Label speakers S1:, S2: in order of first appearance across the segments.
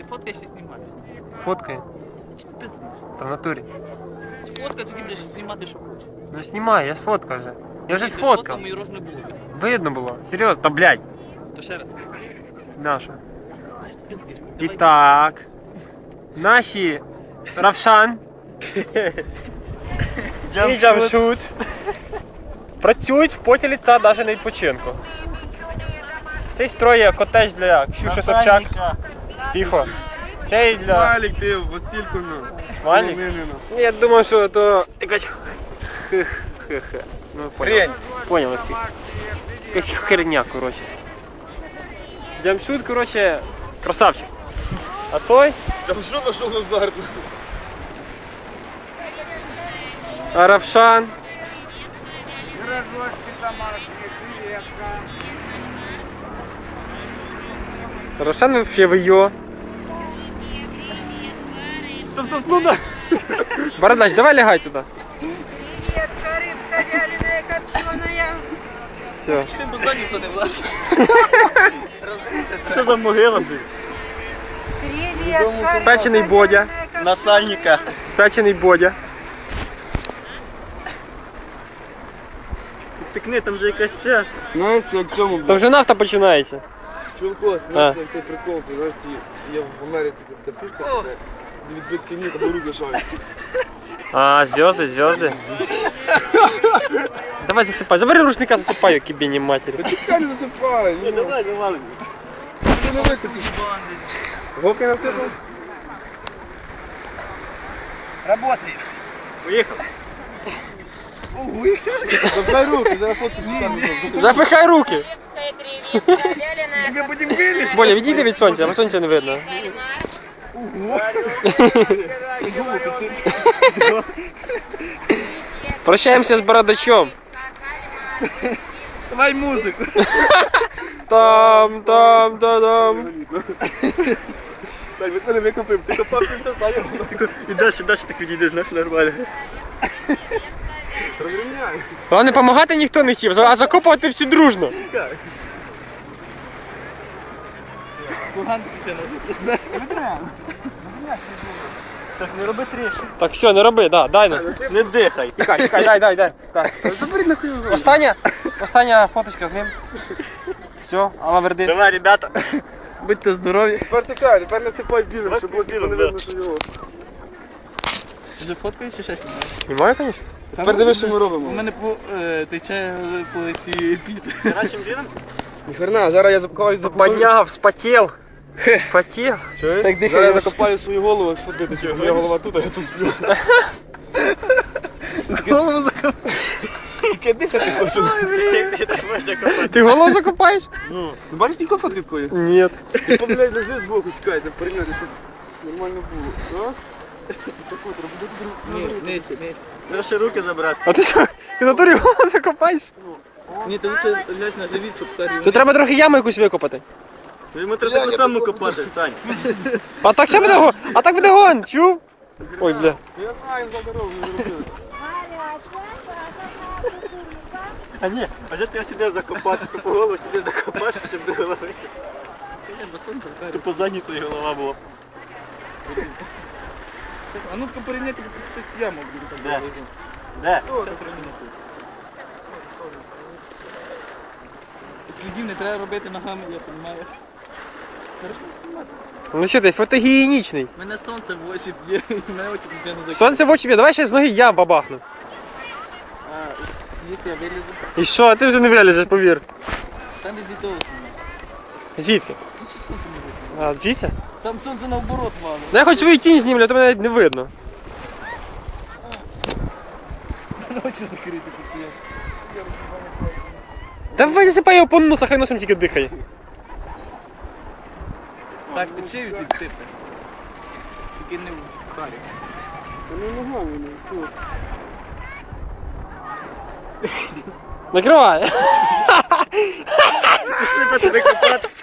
S1: фоткаєш і знімаєш.
S2: Фоткай. Та в натурі.
S1: Фотка, тоді будеш знімати, що хочеш.
S2: Ну знімай, я сфоткав вже. Я вже сфоткав.
S1: Мої рож не було.
S2: Видно було. Серйозно, та блядь.
S1: То ще раз.
S2: Наша. І так. Наші Равшан і Джамшут працюють в поті лица навіть на відпочинку. Цей строє котедж для Ксюши Собчак. Тихо. Цей для...
S3: Смайлик ти, Васильку, ну.
S2: Смайлик? Ні, я думаю, що то якась хе-хе. Ну, понял. Понял всі. Якась херня, коротше. Джамшут, коротше, красавчик. А той?
S3: Джамшут пішов в азарт.
S2: А Равшан? Равшан вообще в ее.
S3: Там сосну, да?
S2: Бородач, давай лягай туда.
S4: Привет, рыбка вяленая, копченая.
S2: Все.
S1: Чи бо ніхто не влазить?
S3: Що за могила, блін?
S4: Привет,
S2: Спечений Бодя.
S3: Насальника.
S2: Спечений Бодя.
S3: Тикни, там же якась ця. Знаєш, як в цьому,
S2: Там
S3: блін?
S2: вже нафта починається.
S3: Чулко,
S2: А.
S3: знаєш, цей прикол, ти знаєш, я в Америці, де пушка, де відбитки ні, там руки шарять.
S2: А, звезды, звезды. Давай засыпай. Забери рушника, засыпай, кибине матери.
S3: Чекай, не засипай. Ні, давай, давай. Ти не виступиш. Гоки насипав?
S1: Работает.
S3: Поїхав. Забирай руки, зараз фотку чекаємо.
S2: Запихай руки.
S3: Тебе потім виліз.
S2: Боля, відійди від сонця, бо сонця не видно. Прощаємося з бородачом.
S3: Давай музику.
S2: Там, там, та-дам.
S3: Так, від мене викопив. Ти копав, ти все ставив. І далі так відійди, знаєш, нормально. Розрівняй.
S2: Головне, допомагати ніхто не хотів, а закопувати всі дружно.
S1: Курган ще не
S3: Так, не роби трішки.
S2: Так, все, не роби, да, дай нам.
S3: Не дихай.
S2: Чекай, чекай, дай.
S3: Забери на хуй.
S2: Остання фоточка з ним. Все, Алла Верди.
S3: Давай, ребята.
S1: Будьте здорові.
S3: Тепер чекай, тепер насипай білим, щоб було не видно, що його.
S1: Вже фоткаєш чи ще знімаєш?
S2: Знімаю, звісно.
S3: Тепер дивись, що ми
S1: У
S3: робимо.
S1: мене тече по цій піт.
S3: Гарячим віном? Ніхрена, зараз я закопаю
S2: Подняв, вспотел. Спотел.
S3: Чуєш?
S1: Так дихай,
S3: Зараз я
S1: я
S3: закопаю свою голову, що ти тече. Моя голова тут, а я тут сплю.
S1: Голову закопав.
S3: Тільки дихати хочу.
S2: Ти голову закопаєш?
S3: Ну, бачиш, тільки фотки такої?
S2: Ні.
S3: Ти, блядь, лежи збоку, чекай, не порівняти, щоб нормально було. Так от, роби
S1: Нижче.
S3: Треба ще руки забрати.
S2: А ти що? Ти на турі голову закопаєш?
S1: Ні, ти лучше ляж на живіт, щоб карі.
S2: Тут треба трохи яму якусь викопати.
S3: Йому треба таку саму копати, Сань.
S2: А так ще буде гон. А так буде гон, чув? Ой, бля.
S3: Я знаю, за дорогу не зробили. А ні, а де ти сюди закопати, то по голову сюди закопати, щоб до голови. То по задниці голова була.
S1: А ну-ка порівняйте, щось яму буде.
S3: Де? Де?
S1: Слідів не треба робити ногами, я розумію. Хорошо знімати.
S2: Ну що ти, фотогенічний.
S1: Мене сонце в очі б'є, і мене очі постійно закриють.
S2: Сонце в очі б'є, давай ще з ноги я бабахну.
S1: А, якщо я вилізу,
S2: І що, ти вже не вилізеш, повір.
S1: там іди того знімати.
S2: Звідки?
S1: Сонце не вийшло.
S2: А, звідси?
S1: Там сонце наоборот мало.
S2: Ну я хоч свою тінь знімлю, а то мене навіть не видно.
S1: Мене очі закриті постійно.
S2: Давай засипай його по носу, хай носом тільки дихає.
S1: Так, під шию підсипте. Тільки не в харі.
S3: Ну ногами, ну,
S2: Накривай.
S3: пішли по тебе копатися.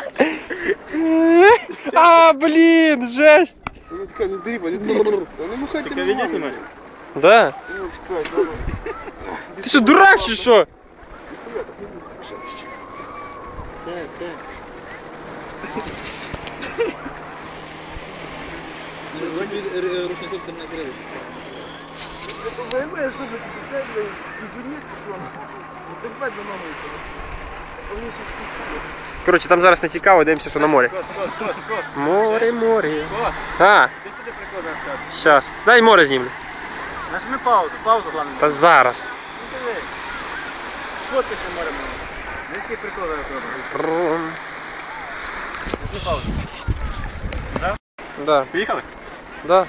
S2: А, блін, жесть.
S3: Ну чекай, не дрібай, не махайте. Тільки відео знімаєш?
S2: Да?
S3: Ну чекай, давай.
S2: Ти що, дурак чи що?
S1: Все. рушником ти накрили.
S3: Виймаєш, що ти це, безумієш, що воно? Ну так бать за мамою. Вони ще спустили.
S2: Коротше, там зараз не цікаво, дивимося, що на морі.
S3: Кос.
S2: Море, море.
S3: Кос,
S2: А,
S3: ти сюди прикладаєш так.
S2: щас. Дай море знімлю.
S3: Нажми паузу, головне.
S2: Та зараз.
S3: Ну диви. Що ти ще море має? Низький прикладаєш робиш.
S2: Рум.
S3: Нажми паузу.
S2: Да,
S3: Поїхали?
S2: да.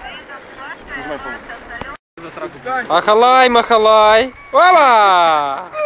S3: Нажимай паузу.
S2: Махалай, махалай. Опа!